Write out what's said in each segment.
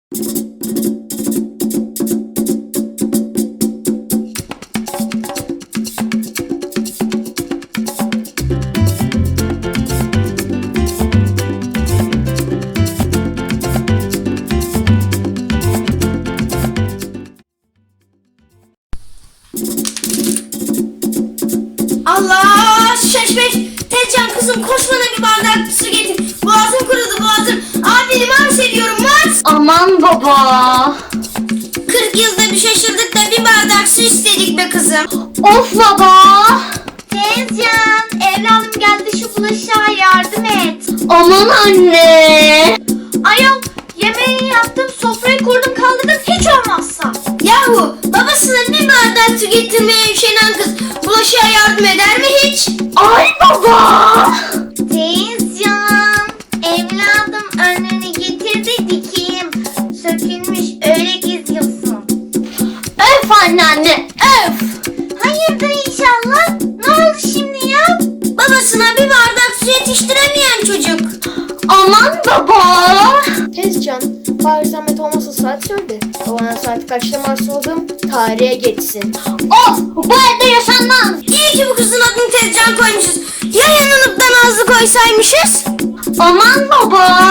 Allah şaşmış. Tezcan kızım koş bana bir bardak su getir. Boğazım kurudu boğazım. Abi mars ediyorum mars. Aman baba. 40 yılda bir şaşırdık da bir bardak su istedik be kızım. Of baba. Tezcan, evladım geldi şu bulaşığa yardım et. Aman anne. Ayol, yemeği yaptım, sofrayı kurdum kaldırdım hiç olmazsa. Yahu babasına bir bardak su getirmeye üşenen kız bulaşığa yardım eder mi hiç? Ay baba. Tezcan, evladım önünü getir de dikeyim. Sökülmüş öyle geziyorsun. Öf anneanne öf. Hayırdır inşallah? Ne oldu şimdi ya? Babasına bir bardak su yetiştiremeyen çocuk. Aman baba. Tezcan, bari zahmet olmasa saat söyle. Babana saat kaçta Mars olduğum tarihe geçsin. Of bu evde yaşanmaz. İyi ki bu kızın adını Tezcan koymuşuz. Ya yanılıp da Nazlı koysaymışız? Aman baba.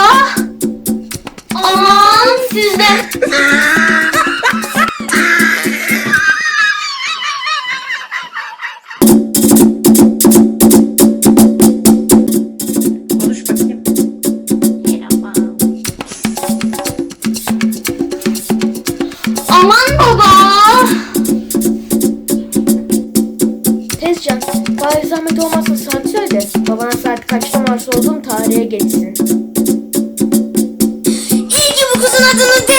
Aman sizden. Konuş bakayım. Merhaba. Aman baba. Tezcan, bari zahmet olmasa saat söyle. Babana saat kaçta Mars olduğum tarihe geçsin. İyi ki bu kızın adını